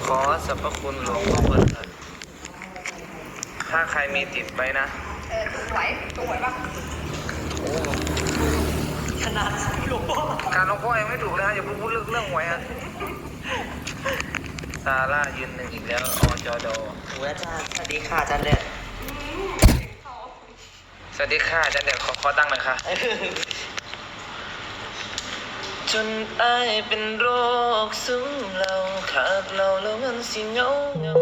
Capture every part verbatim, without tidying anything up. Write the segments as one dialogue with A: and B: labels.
A: ขอสรรพคุณหลวงพ่อเปิดเลยถ้าใครมีติดไปนะ
B: เออถูกไหวถูกไหวปะ
A: โอ้
B: ขนาดหลวงพ่อ
A: การหลวงพ่อยังไม่ถูกเลยฮะอย่าพูดเรื่องเรื่องหวยฮะซาร่ายืนหนึ่งอีกแล้วอจด
C: โอ้ยอาจารย์สวัสดีค่ะอาจารย์เด็ด
A: สวัสดีค่ะอาจารย์เด็ดขอขอตั้งหน่อยค่ะจนตายเป็นโรคซึมเราขาดเราแล้วมันสิเงาเงา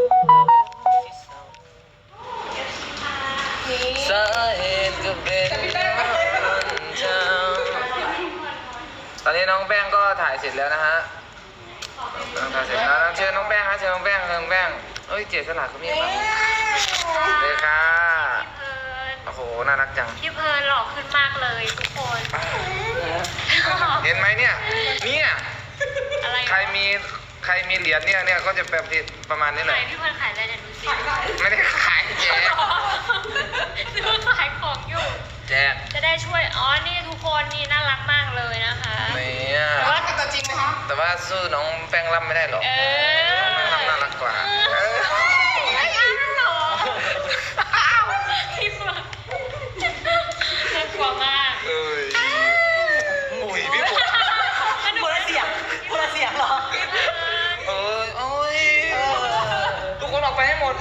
A: สาเหตุก็เป็นเจ้าตอนนี้น้องแป้งก็ถ่ายเสร็จแล้วนะฮะถ่ายเสร็จแล้วเชิญน้องแป้งฮะเชิญน้องแป้งเชิญน้องแป้งเอ้ยเจสลัดเขามีครับเลยค่ะโอ้โหน่ารักจัง
D: พี่เพิร์นหล่อขึ้นมากเลยทุกคน
A: เห็นไหมเนี่ยเนี่ยใครมีใครมีเหรียญเนี่ยเนี่ยก็จะแบบประมาณนี้แหละ
D: พี่เพิร์นขายอะไรเนี่ยดูสิ
A: ไม่ได้ขายแจก
D: ดูขายของอยู่
A: แจก
D: จะได้ช่วยอ๋อนี่ทุกคนนี่น่ารักมากเลยนะคะ
A: เนี่ย
B: แต่ว่าตัวจริงนะคะ
A: แต่ว่าสู้น้องแป้งล่ำไม่ได้หรอก
D: เออ
A: แป้งล่ำน่ารักกว่า
D: ไม่อ้าวหรอพี่เพิร์นน่ากลัวมาก
A: เอ้ยอุ้ยพี่ปุ๊
C: คนละเสียงคนละเสียงเหรอ
A: เอ้ยโอ้ยทุกคนออกไปให้หมด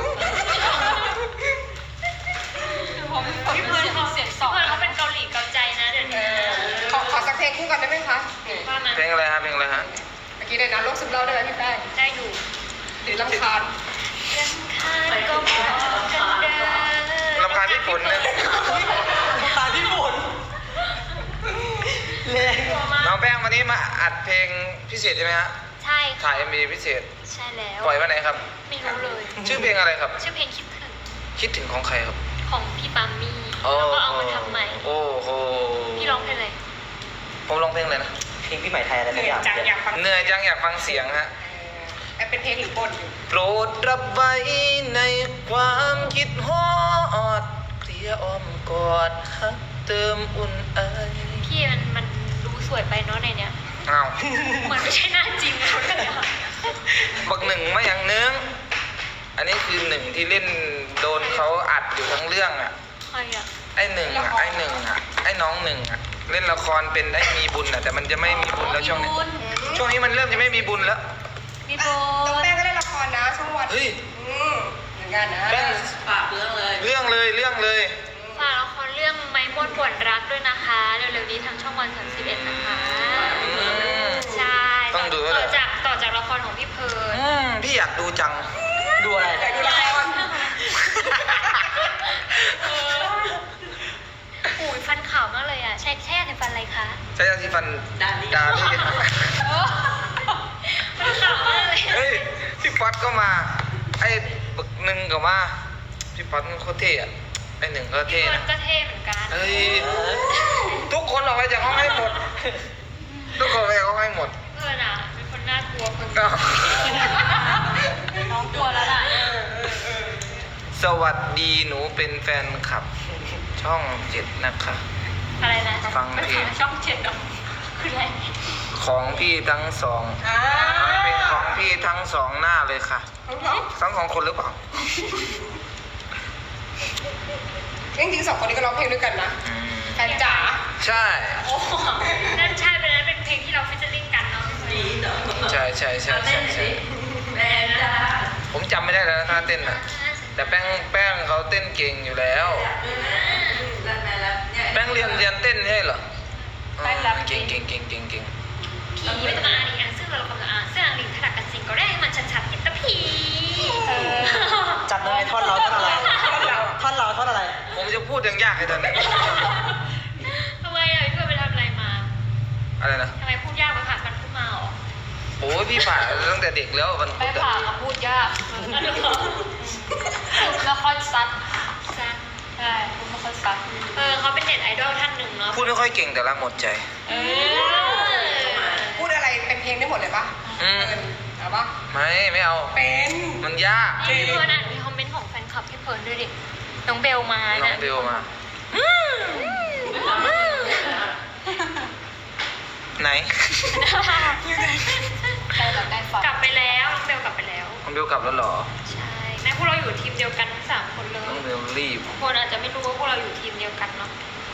D: พี่เพิร์นเขาเสียงสองพี่เพิร์นเขาเป็นเกาหลีเกาใจนะเดี๋ยวนี้
B: ขอขอสักเพลงคู่กันได้ไหมคะ
A: เพลงอะไรฮะเพลงอะไรฮะ
B: เมื่อกี้ได้นะโลกซึมเล่าได้ไหมพี่แป้ง
D: ได้อยู่
B: หรือลำคาญ
D: ลำคาญก็พอกันเด้อ
A: ลำคาญพี่ฝนนะ
C: ลำคาญพี่ฝนเลย
A: น้องแป้งวันนี้มาอัดเพลงพิเศษใช่ไหมฮะ
D: ใช่
A: ถ่ายเอ็มวีพิเศษ
D: ใช่แล้ว
A: ปล่อยวันไหนครับ
D: ไม่รู้เลย
A: ชื่อเพลงอะไรครับ
D: ชื่อเพลงคิดถึง
A: คิดถึงของใครครับ
D: ของพี่ปามี่แล้วก็เอามาทำใหม่
A: โอ้โห
D: พี่ร้องเพลงอะไร
A: ผมร้องเพลงอะไรนะ
C: เพลงพี่ใหม่ไทยอะไรสักอย่าง
A: เหนื่อยจังอยากฟังเสียงฮะ
B: เป็นเพลงหรือบทอยู่
A: โปรดรับไว้ในความคิดฮอดเคลียอ้อมกอดฮักเติมอุ่นไอ
D: พี่มันมันดูสวยไปเนาะในเนี้ย
A: อ้าว
D: เหมือนไม่ใช่หน้าจริงอะ
A: บักหนึ่งมาอย่างนึงอันนี้คือหนึ่งที่เล่นโดนเขาอัดอยู่ทั้งเรื่องอ่ะ
D: ใครอ่ะ
A: ไอ้หนึ่งอ่ะไอ้หนึ่งอ่ะไอ้น้องหนึ่งอ่ะเล่นละครเป็นไอ้มีบุญอ่ะแต่มันจะไม่มีบุญแล้วช่วงนี้ช่วงนี้มันเริ่มจะไม่มีบุญแล้ว
D: มีบุญ
B: น้องแป้งก็เล่นละครนะช่องวัน
A: เฮ้ย
B: เหมือนกันนะ
A: แป้ง
C: ฝากเรื่องเลย
A: เรื่องเลยเรื่องเลย
D: ฝากละครเรื่องไม้มวนปวดรักด้วยนะคะเร็วๆนี้ทางช่องวันสามสิบเอ็ดนะคะใช่
A: ต้องดู
D: ต่อจากต่อจากละครของพี่เพิร์น
A: พี่อยากดูจัง
C: ดูอะไร
B: อยากดูละคร
D: โอ้ยฟันขาวมากเลยอ่ะใช้แช่ในฟันอะไรคะ
A: ใช้ยาสีฟัน
C: ดาลี่
A: ดาลี่
D: ฟันขาวมากเลย
A: เฮ้ยพี่ป๊อตก็มาไอ้บึกหนึ่งก็มาพี่ป๊อตมันโคตรเท่อะไอ้หนึ่งก็เท่
D: นะก็เท่เหมือนกัน
A: เฮ้ยทุกคนออกไปจากห้องให้หมดทุกคนไปจากห้องให้หมด
D: เพื่อนอ่ะเป็นคนน่ากลัวคนน้องกลัวแล้วล่ะ
A: สวัสดีหนูเป็นแฟนคลับช่องเจ็ดนะคะ
D: อะไรนะ
A: ฟังเพลง
D: ช่องเจ็ดดอกคืออะไร
A: ของพี่ทั้งสองเป็นของพี่ทั้งสองหน้าเลยค่ะทั้งสองคนหรือเปล่า
B: จริงๆสองคนนี้ก็ร้องเพลงด้วยกันนะแฟนจ๋า
A: ใช่
D: โอ้นั่นใช่เป็นนั้นเป็นเพลงที่เราฟิชเชอร์ลิงกันเนาะ
A: ใช่ใช่ใช่ใช่ใช่ผมจำไม่ได้แล้วนะท่าเต้นอ่ะแต่แป้งแป้งเขาเต้นเก่งอยู่แล้วแป้งเรียนเรียนเต้นใช่เหรอเก่งเก่งเก่งเก่งเก่ง
D: ผีไม่ต้องอ่านอีกอันซึ่งเรากำลังอ่านซึ่งอ่านลิงขนาดกันจริงก็ได้ให้มันชัดๆเห็นตะผี
C: จับเลยท่อนเราท่อนอะไรท่อนเราท่อนอะไร
A: ผมจะพูดยังยากเลยตอนนี้
D: ทำไมอ่ะพี่เพื่อนไปทำอะไรมา
A: อะไรนะ
D: ทำไมพูดยากไปผ่านมันพูดมาหรอ
A: โอ้ยพี่ผ่านตั้งแต่เด็กแล้วมัน
D: ไม่ผ่านมาพูดยากแล้วค่อยซัดซัดใช่พูดไม่ค่อยซัดเออเขาเป็นเน็ตไอดอลท่านหนึ่งเนาะ
A: พูดไม่ค่อยเก่งแต่รักหมดใจ
D: เออ
B: พูดอะไรเป็นเพลงได้หมดเลยปะ
A: อืม
B: เอาปะ
A: ไม่ไม่เอา
B: เป็น
A: มันยาก
D: พี่เพิร์นอ่านมีคอมเมนต์ของแฟนคลับพี่เพิร์นด้วยดิน้องเบลมา
A: น้องเบลมาไหน
D: กลับไปแล้วน้องเบลกลับไปแล้ว
A: น้องเบเบลกลับแล้วเหรอ
D: ใช่แม้พวกเราอยู่ทีมเดียวกันทั้งสามคนเล
A: น้อง
D: ย
A: เบลรีบ
D: คนอาจจะไม่รู้ว่าพวกเราอยู่ทีมเดียวกันเนาะ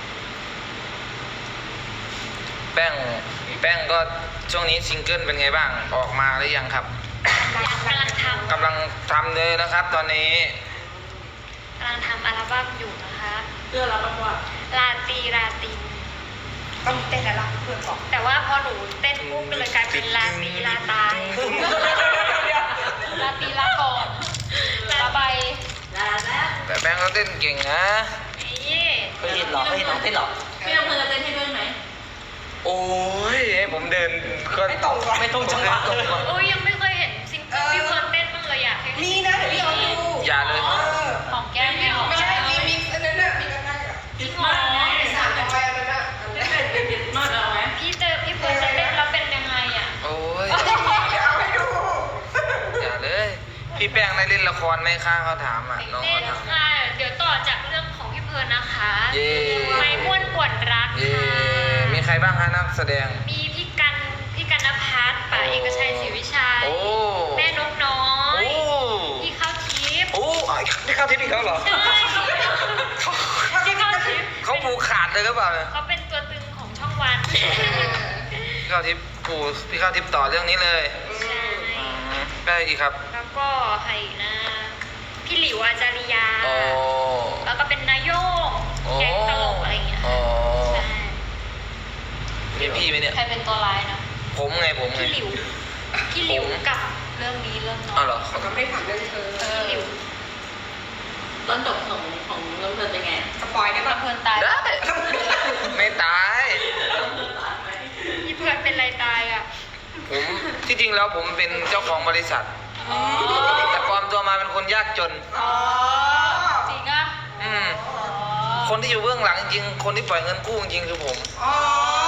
A: แป้งแป้งก็ช่วงนี้ซิงเกิลเป็นไงบ้างออกมาหรือยังครับ
D: ยังกำลังทำ
A: กำลังทำเลยนะครับ ตอนนี้
D: กำลังทำอัลบั้มอยู่นะคะ
C: เพื่อรับรางวัล
D: ลาตรีราตรี
B: ต้องเต้นแล้วล่ะเพื่อนบอก
D: แต่ว่าพอหนูเต้นปุ๊บก็เลยกลายเป็นลาตรีลาตายลาตรีลาก่อนลาใบลาแล้ว
A: แต่แป้งก็เต้นเก่งนะ
D: นี่
C: เคยเห็นเหรอเคยเห็นน้องเต้นเหรอ
E: พี่ลำเพลินจะเต้นให้ด้วยไหม
A: โอ้ยให้ผมเดินก็
B: ไม่ตรงว่ะ
C: ไม่ตรงจังหวะ
A: ผมเดินตรงก่อน
D: โอ้ยยังไม่เคยเห็นซิงเกิลพี่เพิร์นเต้นบ้างเลยอยากให้
B: มีนะเดี๋ยวพี่เอาดู
A: อย่าเลย
B: เออ
D: ของแก้มไม่ออก
B: ไม่ใช่มีมิกซ์อันนั้นน่ะมีกันได้อะ
D: จริงเหรอ
B: สามร้อยอันนั้นน่ะ
E: ได้เป็นเป็นเป็นมากเอาไหม
D: พี่เจอพี่เพิร์นจะเต้นแล้วเป็นยังไงอ่ะ
A: โอ้ย
B: เดี๋ยวเอาให้ดู
A: อย่าเลย พี่แป้งได้เล่นละครไหมคะเขาถามอ่ะน้อง
D: เล่
A: เขา
D: น
A: ถาม
D: ค่ะเดี๋ยวต่อจากเรื่องของพี่เพิร์นนะคะ
A: เย้
D: ไม้ม้วนป่วนรัก
A: เย่
D: ค่ะ
A: มีใครบ้างคะนักแสดง
D: มีพี่กันพี่กันนภัสป่าเอกชัยศรีวิชัย
A: โอ้
D: แม่นกน้อ
A: โอ้
D: ยพี่ข้าวทิพย์
A: โอ้ไอ้พี่เข้าทิพย์อีกแล้วเหรอ
D: ใช่พี่ข้าวทิพย์
A: เขาผูกขาดเลยหรือเปล่าเนี่ย
D: เขาเป็นตัวตึงของช่องวัน
A: พี่เข้าทิพย์ผูพี่เข้าทิพย์ต่อเรื่องนี้เลย
D: ใช่
A: อืมได้อีกครับ
D: แล้วก็ใครอีกนะ พี่หลิวอาจาริยา
A: โอ้
D: แล้วก็เป็นนายโยง
A: โอ้
D: แก๊งตลกอะไรอย่างเงี้ย
A: โอ้
D: ใช่
A: มีพี่ไหมเนี่ย
D: ใครเป็นตัวร้ายนะ
A: ผมไงผมไง
D: พี่หลิวพี่หลิวกับเรื่องนี้เรื่องน้อ
A: อ้าวย เหรอ
B: เขาก็ไม่ได้ถามเรื่องเธอ
D: พี่หลิว
E: ต้นจบของของลำเพลินเป็นไง
B: สปอยได้ปะ
D: เพื่อนตาย
A: ได้ไม่ตาย
D: พี่เพื่อนเป็นไรตายอ่ะ
A: ผมที่จริงแล้วผมเป็นเจ้าของบริษัท
D: อ๋อ
A: แต่ปลอมตัวมาเป็นคนยากจน
B: อ๋อ
D: จริงอ่ะ
A: อืมคนที่อยู่เบื้องหลังจริงๆคนที่ปล่อยเงินกู้จริงๆคือผม
B: อ๋อก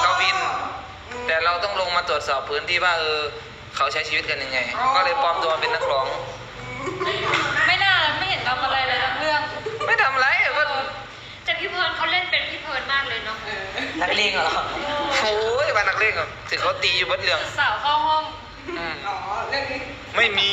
A: วิน แต่เราต้องลงมาตรวจสอบพื้นที่ว่าเออเขาใช้ชีวิตกันยังไง ก็เลยปลอมตัวมาเป็นนักร้อง
D: ไม่น่าไม่เห็นทำอะไรเลยทั้งเรื่อง
A: ไม่ทำไรก็
D: แต่พี่เพิร์นเขาเล่นเป็นพี่เพิร์นมากเลยเนาะ
C: นักเลงเหรอ
A: โอ้ยมานักเลงอ่ะถึงเขาตีอยู่บนเรื่อง
D: สาวเข้าห้อง
A: อืม
B: อ๋อเรื่องนี้
A: ไม่มี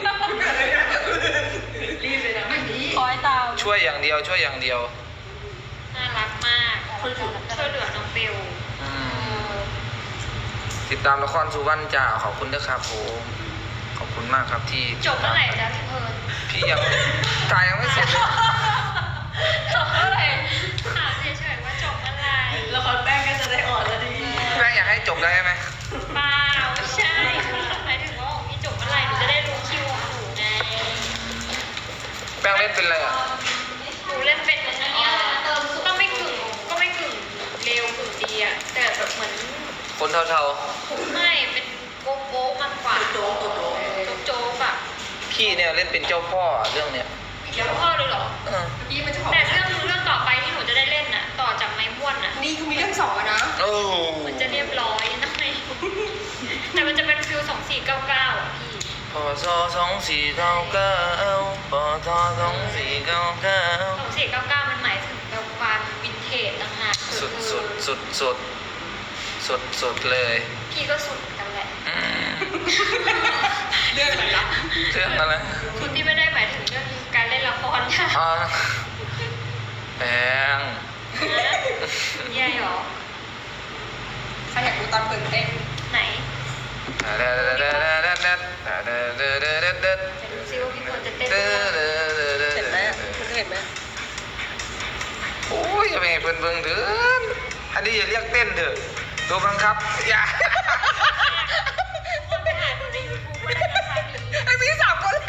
E: รีบเลยนะไม่ดี
D: คอยตาม
A: ช่วยอย่างเดียวช่วยอย่างเดียว
D: น่ารักมากช่วยช่วยเหลือน้องเบล
A: อืมติดตามละครสุวรรณจ่าขอบคุณนะครับผมขอบคุณมากครับที่
D: จบเมื่อไหร่จ๊ะพี่เพิร์น
A: พี่ยังถ่ายยังไม่เสร็จเลย
D: จบเมื่อไหร่ถามเฉยๆว่าจบเมื่อไหร่
E: ละครแป้งก็จะได้ออนแล้วดี
A: แม่งอยากให้จบได้ไหม
D: เปล่าไม่ใช่หมายถึงว่าของพี่จบเมื่อไหร่หนูจะได้รู้คิวของหนูไง
A: แป้งเล่นเป็นอะไรอ่ะ
D: หนูเล่นเป็นอันเนี้ยก็ไม่กึ่งก็ไม่กึ่งเร็วกึ่งดีอะแต่แบบเหมือน
A: คนเทา
D: ไม่เป็นโก๊ะโก๊ะมากกว่า
E: โจ๊กโจ๊ก
D: โจ๊กโจ๊กอะ
A: ๆพี่เนี่ยเล่นเป็นเจ้าพ่อเรื่องเนี้ย
D: เดี๋ยวพ่อเลยเหรอ
A: เออ
B: นี่มันจะขอ
D: แต่เรื่องเรื่องต่อไปที่หนูจะได้เล่นน่ะ ต่อจากไม้ม้วนน่ะ
B: นี่คือมีเรื่องสองอะนะ
A: โอ้
D: มันจะเรียบร้อยนะไงแต่มันจะเป็นฟิลสองสี่เก้าเก้าอ่ะพี่
A: พอซอสองสี่เก้าเก้าพอซอสองสี่เก้าเก้า
D: สองสี่เก้าเก้ามันหมายถึงแบบความวินเทจต่างหาก
A: สุดสุดสุดสุดสุดสุดเลย
D: พี่ก็สุดกันแหละ
A: อืม
B: เรื่องอะไรนะ
A: เรื่องอะไร
D: สุดที่ไม่ได้หมายถึงเรื่องการเล่นละครค่ะ
A: อ่าแพง
D: แย่หรอ
B: ใครอยากดูตอนเปิดเต้น
D: ไหน
A: เด็ดเด็ดเด็ดเด็ดเด็ดเด็ดเด็ดเด็ดเด็ดเด็ด
D: จะดูซิว่าพี่ควรจะเต้น
A: เด็
D: หรือเปล่า
A: ดเด็ดเด็ด
B: เห็นไหม
A: เด็ด
B: คุณเคยเห็นไหม
A: โอ้ยจะเป็นไงเพิ่นเบิ่งเถินอันนี้อย่าเรียกเต้นเถอะตัวบังคับอย่า
D: คนไปหาดูในยูทูบก็ได้นะคะมี
B: ไอ้พี่สามคนเลย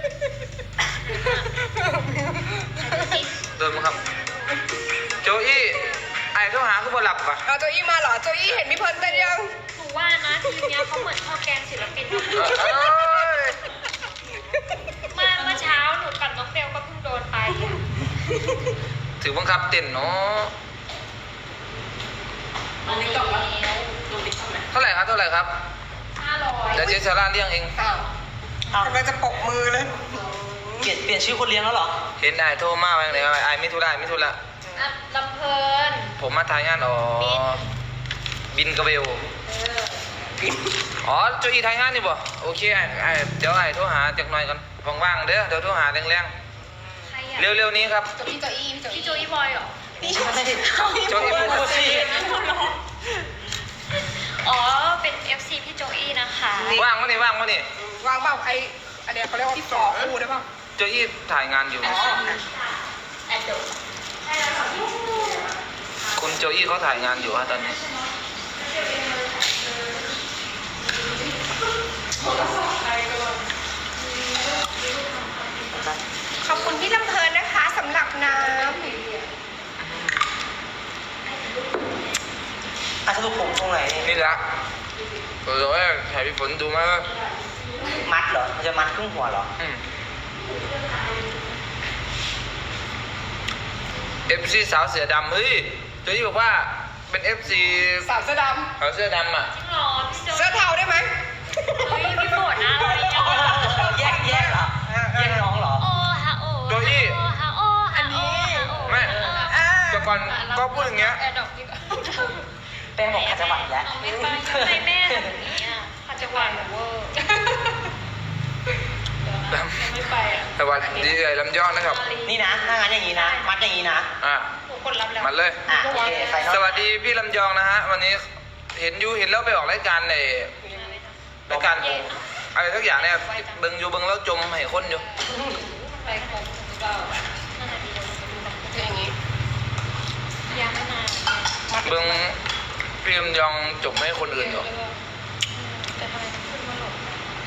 A: โดนบังคับโจอี้ไอ้เขาหาเขาบ่หลับป่ะ
B: เอาโจอี้มาเหรอโจอี้เห็นพี่เพิร์นเต้นยัง
D: หนูว่านะทีมเนี้ยเขาเหมือนข้าวแกงศิลปินเนาะ
A: เอ้ย
D: เมื่อเมื่อเช้าหนูกับน้องเบลก็เพิ่งโดนไปอ่ะ
A: ถือบังคับเต้นเนาะ
E: มันนี่กลับมาลงติ๊กต็อกไหม
A: เท่าไหร่ครับเท่าไหร่ครับ
D: ห้าร้อย
A: เดี๋ยวเจสซาร่าเลี้ยงเอง
B: อ้าว
C: เอา
B: กำลังจะปกมือเลย
C: เปลี่ยนเปลี่ยนชื่อคนเลี้ยงแล้วเหรอ
A: เห็นไอ้โทรมาไหมเลยไอ้ไม่ทุระไม่ทุระ
D: อ่ะลำเพลิน
A: ผมมาถ่ายงานอ๋อบินกระเบล
D: เออ
B: กิน
A: อ๋อโจอีไทยงานนี่บ่โอเคไอ้ไอ้เดี๋ยวไอ้โทรหาจักหน่อยกันว่างๆเด้อเดี๋ยวโทรหาแรง
D: ใครอะ
A: ๆเร็วๆนี้ครับ
B: โจอี้โจอี้พี่โจ
D: พี่
B: อี้
D: โจอีบอยเหรอ
C: นี่ใช่ไหม
A: โจอี้พูดสิ
D: อ๋อ เป็น เอฟ ซี พี่โจอี้นะคะ
A: ว่างวะนี่ว่างวะนี่
B: วางเปล่าไออันเนี้ยเขาเรียกว่าพี่ต่อคู่ได้เปล่า
A: โจอี้ถ่ายงานอยู่
B: อ๋อ
A: คุณโจอี้เขาถ่ายงานอยู่ฮะตอนนี้
B: ขอบคุณพี่ลำเพลินนะคะสำหรับน้
C: อ่ะสรุปผมตรงไหนนี่
A: นี่ละเออว่าถ่ายพี่ฝนดูไหมว่า
C: มัดเหรอมันจะมัดครึ่งหัวเหรอ
A: อืมเอฟซีสาวเสือดำเฮ้ยโจอี้บอกว่าเป็นเอฟซี
B: ำสาวเสื้อด
A: สาวเสื้อดำอ่ะ
D: จริงเหรอพี่โจ
B: ำเสื้อเทาได้ไหม
D: เฮ้ยพี่โบดนะอะไรอ่ะ
C: แยกแยกเหรอแยกน้องเหรอ
D: โอ้ฮะโอ้
A: โจอี้
D: โอ้ฮะโอ้ฮะโอ้ฮะโอ้
A: แม่
B: อ่า
A: แต่ก่อนก็พูดอย่างเงี้ย
B: แอร์ดรอปดีกว่า
C: แป้งบอกขัดจังหวะแล้ว
D: ไม่ไปทำไมแม่ทำอย่างนี้อ่ะขัดจังหวะหนูเวอร์
B: ไม่ไปอ่ะ
A: สวัสดีเอ่ยลำยองนะครับ
C: นี่นะถ้างั้นอย่างนี้นะ มัดอย่างนี้นะ
A: อ่ะ
D: หนูกดรับแล้ว
A: มันเลย
C: อ่ะโอเคไฟนอล
A: สวัสดีพี่ลำยองนะฮะ วันนี้เห็นยูเห็นแล้วไปออกรายการในรายการอะไรสักอย่างเนี่ยเบิงอยู่เบิงแล้วจมให้คนอยู่
D: ไปครบหรือเปล่านั่นแหละดีเดี๋ยวหนูดูแบบ
B: คืออย่างนี้
D: ยังไม่นาน
A: เบิงพี่ลำยองจมให้คนอื่นอยู่
D: แต่ทำไมต้องขึ้นมาหลบ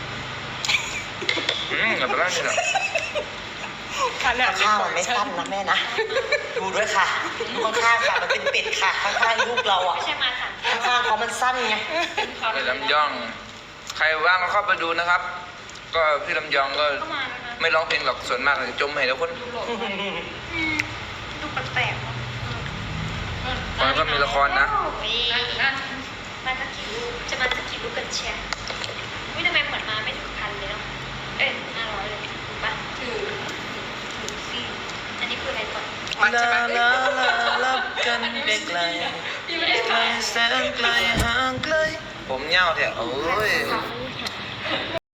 A: อืมแบบนั้นนี่แหละ
B: ขนาด
C: ข้างๆมันไม่สั้นนะแม่นะ ดูด้วยค่ะดูข้างๆค่ะ มันเป็นเป็ดค่ะ ข้างๆลูกเราอ่ะ
D: ไม่ใช่มาสาม
C: ข้างๆเขามันสั้นไง
A: พี่ลำยอง ใครว่างก็เข้าไปดูนะครับ ก็พี่ลำยองก็
D: เข้ามาแล้วนะ
A: ไม่ร้องเพลงหรอกส่วนมากจะจมให้แล้วคน
D: อืมดูแปลกๆเนาะ
A: มันก็มีละครนะ
D: โอ้ยมาสักกี่รูปจะมาสักกี่รูปกันเชียร์วิทำไมเหมือนมาไม่ถึงพันเลยเนาะ เอ้ยห้าร้อยเลยถูกปะถือถือสิอันนี้คืออะไรก่อน
B: มันใช่ไหม
A: ลับกันไกลไกลแสนไกลห่างไกลผมเงาแท้โอ้ย